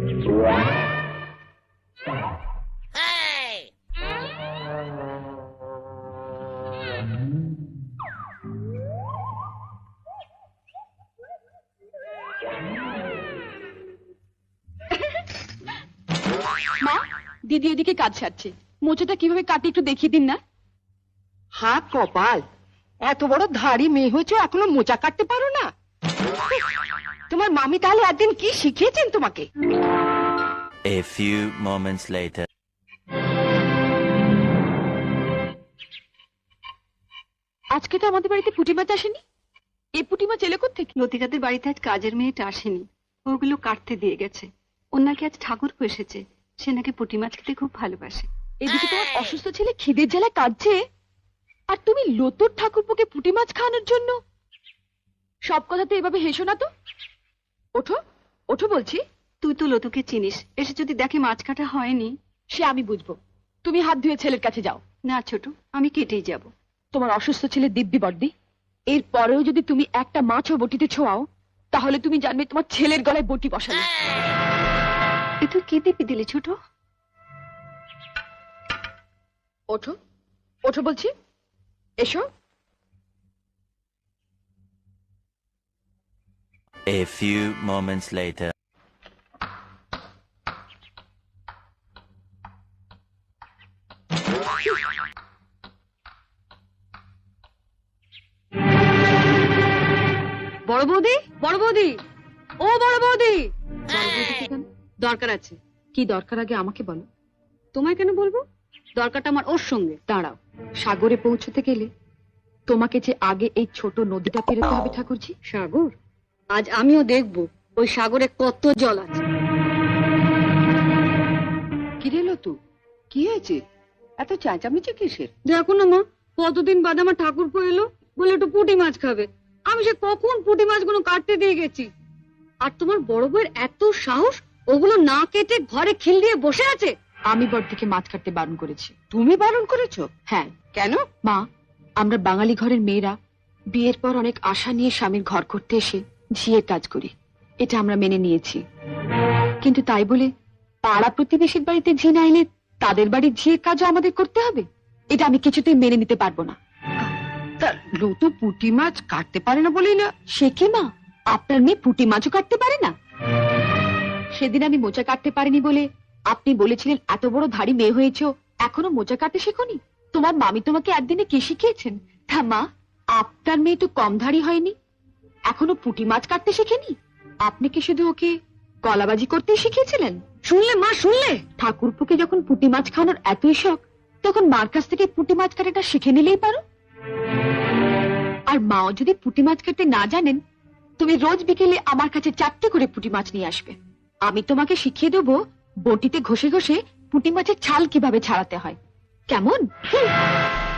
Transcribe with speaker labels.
Speaker 1: মা, দিদি এদিকে কাজ সারছে, মোচাটা কিভাবে কাটে একটু দেখিয়ে দিন না।
Speaker 2: হা কপাল, এত বড় ধাড়ি মেয়ে হয়েছে এখনো মোচা কাটতে পারো না? তোমার মামি তাহলে একদিন কি শিখিয়েছেন তোমাকে?
Speaker 3: A few moments later.
Speaker 1: আজকে তো আমাদের বাড়িতে পুঁটি মাছ আসেনি। এই পুঁটি মাছ এলো কোত্থেকে? লতিকাদের বাড়িতে আজ কাজের মেয়েটা আসেনি, ওগুলো কাটতে দিয়ে গেছে। ওর নাকি আজ ঠাকুর এসেছে, সে নাকি পুঁটি মাছ খেতে খুব ভালোবাসে। এদিকে তোমার অসুস্থ ছেলে খিদের জ্বালায় কাঁদছে, আর তুমি লতুর ঠাকুরপোকে পুঁটি মাছ খাওয়ানোর জন্য। সব কথাতে এভাবে হেসো না তো। ওঠো ওঠো বলছি। তুই তো লতুকে চিনিস, এসে যদি দেখে মাছ কাটা হয়নি। সে আমি বুঝবো, তুমি হাত ধুয়ে ছেলের কাছে যাও। না ছোট, আমি কেটেই যাব। তোমার অসুস্থ ছেলে দিব্যি বর্দি, এর পরেও যদি তুমি একটা মাছও বটিতে ছোঁয়াও, তাহলে তুমি জানবে তোমার ছেলের গলায় বটি বসানো। এ তুই কি দিব্যি দিলি ছোট? ওঠো ওঠো বলছি, এসো।
Speaker 3: A few moments later.
Speaker 1: বড় বৌদি, বড় বৌদি, ও বড় বৌদি। দরকার আছে। কি দরকার আগে আমাকে বলো। তোমায় কেন বলবো? দরকারটা আমার ওর সঙ্গে। দাঁড়াও, সাগরে পৌঁছতে গেলে তোমাকে যে আগে এই ছোট নদীটা পেরোতে হবে ঠাকুরজি। সাগর? আজ আমিও দেখবো ওই সাগরে কত জল আছে।
Speaker 2: কি রেলো তু, কি হয়েছে? এত চেঁচামেচি কিসের?
Speaker 1: দেখো না মা, কতদিন বাদে আমার ঠাকুরপো এলো, বলে একটু পুঁটি মাছ খাবে। আমি সে কখন পুঁটি মাছগুলো কাটতে দিয়ে গেছি, আর তোমার বড় বউয়ের এত সাহস, ওগুলো না কেটে ঘরে খিল দিয়ে বসে আছে। আমি বড়দিকে মাছ কাটতে বারণ করেছি।
Speaker 2: তুমি বারণ করেছো?
Speaker 1: হ্যাঁ।
Speaker 2: কেন?
Speaker 1: মা, আমরা বাঙালি ঘরের মেয়েরা বিয়ের পর অনেক আশা নিয়ে স্বামীর ঘর করতে এসে ঝিয়ের কাজ করি, এটা আমরা মেনে নিয়েছি। কিন্তু তাই বলে পাড়া প্রতিবেশীর বাড়িতে ঝি না এলে তাদের বাড়ির ঝিয়ের কাজও আমাদের করতে হবে? এটা আমি কিছুতেই মেনে নিতে পারবো না।
Speaker 2: তা লতু পুঁটি মাছ কাটতে পারে না বলেই না?
Speaker 1: সে কি মা, আপনার মেয়ে পুঁটি মাছও কাটতে পারে না? সেদিন আমি মোচা কাটতে পারিনি বলে আপনি বলেছিলেন এত বড় ধাড়ি মেয়ে হয়েছো, এখনো মোচা কাটতে শেখোনি? তোমার মামি তোমাকে একদিনে কি শিখিয়েছেন? তা মা, আপনার মেয়ে তো কম ধাড়ি হয়নি, এখনো পুঁটি মাছ কাটতে শেখেনি। আপনি কি শুধু ওকে কলাবাজি করতেই শিখিয়েছিলেন? শুনলে মা, শুনলে? ঠাকুরপুকে যখন পুঁটি মাছ খাওয়ানোর এতই শখ, তখন মার কাছ থেকে পুঁটি মাছ কাটাটা শিখে নিলেই পারো। আর মাও যদি পুঁটি মাছ কাটতে না জানেন, তুমি রোজ বিকেলে আমার কাছে 4টে করে পুঁটি মাছ নিয়ে আসবে। আমি তোমাকে শিখিয়ে দেবো বটিতে ঘষে ঘষে পুঁটি মাছের ছাল কিভাবে ছাড়াতে হয়। কেমন?